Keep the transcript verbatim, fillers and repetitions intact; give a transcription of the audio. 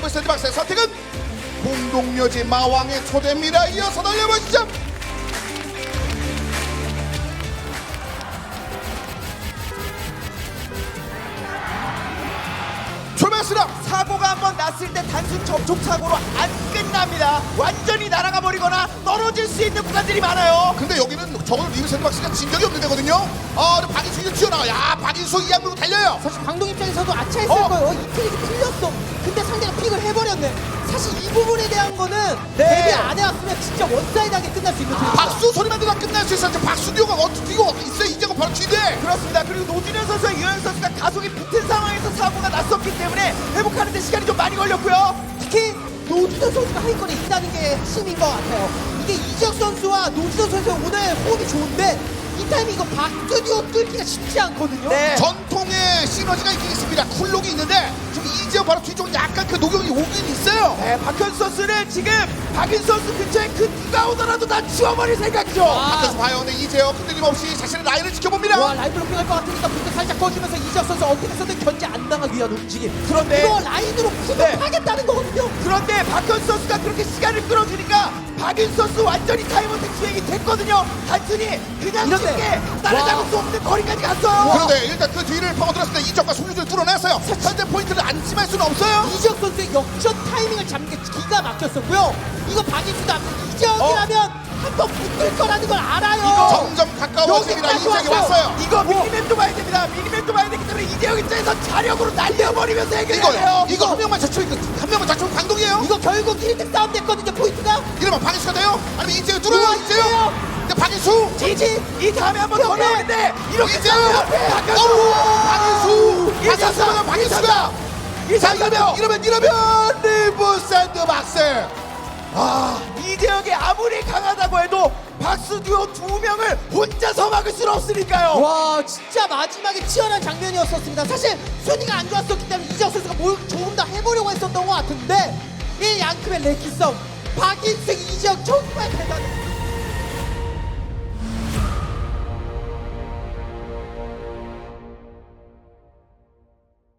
리브 샌드박스의 선택은 공동묘지 마왕의 초대입니다. 이어서 달려보시죠. 출발했습니다. 사고가 한번 났을 때 단순 접촉 사고로 안 끝납니다. 완전히 날아가 버리거나 떨어질 수 있는 구간들이 많아요. 근데 여기는 저걸 리브 샌드박스가 진 적이 없는 데거든요. 아, 박인수 이제 튀어나와. 야, 박인수 이양 물고 달려요. 사실 강동 입장에서도 아차했을 어? 거예요. 이 픽이 틀렸어. 근데 상대가 픽을 해버렸네. 사실 이 부분에 대한 거는 네. 데뷔 안 해왔으면 진짜 원사이드하게 끝날 수 있는 아, 트랙이다. 박수 소리만 들어도 끝날 수 있었는데 박수 듀오가 어떻게 뛰고 있어요. 이제가 바로 뒤대. 그렇습니다. 그리고 노준현 선수와 유현 선수가 가속이 붙은 상황에서 사고가 났었기 때문에 회복하는 데 시간이 좀 많이 걸렸고요. 특히 노준현 선수가 하위권에 있다는 게 핵심인 것 같아요. 이게 이적 선수와 노준현 선수의 오늘 호흡이 좋은데 이 타이밍 이거 박스듀오 뚫기가 쉽지 않거든요. 네. 전통의 시너지가 있긴 있습니다. 쿨록이 있는데 지금 이재호 바로 뒤쪽으로 약간 그 녹용이 오긴 있어요. 네, 박현 선수는 지금 박인 선수 근처에 그 누가 오더라도 다 치워버릴 생각이죠. 아. 밖에서 봐요. 근데 이재호 흔들림 없이 자신의 라인을 지켜봅니다. 와, 라인 블로킹 할 것 같으니까 불도 살짝 꺼주면서 이적 선수 어떻게 해서든 견제 안 당하기 위한 움직임. 그런데 이거 라인으로 구속하겠다는 거거든요. 그런데 박현 선수가 그렇게 시간을 끌어주니까 박인 선수 완전히 타임어택 수행이 됐거든요. 단순히 그냥 이런데. 쉽게 따라잡을 와. 수 없는 거리까지 갔어요. 그런데 일단 그 뒤를 파고들었을 때 이적과 송유주를 뚫어냈어요. 현재 포인트를 안심할 수는 없어요. 이적 선수의 역전 타이밍을 잡는 게 기가 막혔었고요. 이거 박인수도 앞서 이적이라면 한 번 붙을 거라는 걸 알아요. 이거 점점 가까워집니다. 여기까지 이적이 왔어요. 왔어요. 이거 미니맵도 봐야 됩니다. 미니맵도 봐야 되기 때문에 이대형 입장에서 자력으로 날려버리면서 해결해야 돼요. 이거 이거 한 명만 자초니까 한 명만 자초면 강동이에요. 이거 결국 일 등 싸움 됐거든요. 포인트가. 이러면 박인수가 돼요? 아니면 이재호 뚫어요? 우와, 이재호? 이재호! 근데 박인수 지지 이 다음에 한번 더 옆에. 나오는데 이렇게 이재호! 싸우면 박현수 어우, 박인수! 이재호! 박인수가 박인수가! 자 이러면 이러면 이러면 리브 샌드박스! 아, 이재혁이 아무리 강하다고 해도 박수 듀오 두 명을 혼자서 막을 수는 없으니까요. 와, 진짜 마지막에 치열한 장면이었었습니다. 사실 순위가 안 좋았었기 때문에 이적 선수가 뭘 조금 더 해보려고 했었던 것 같은데 이 양큼의 레키 싸움 박인수 이적 정말 대단해.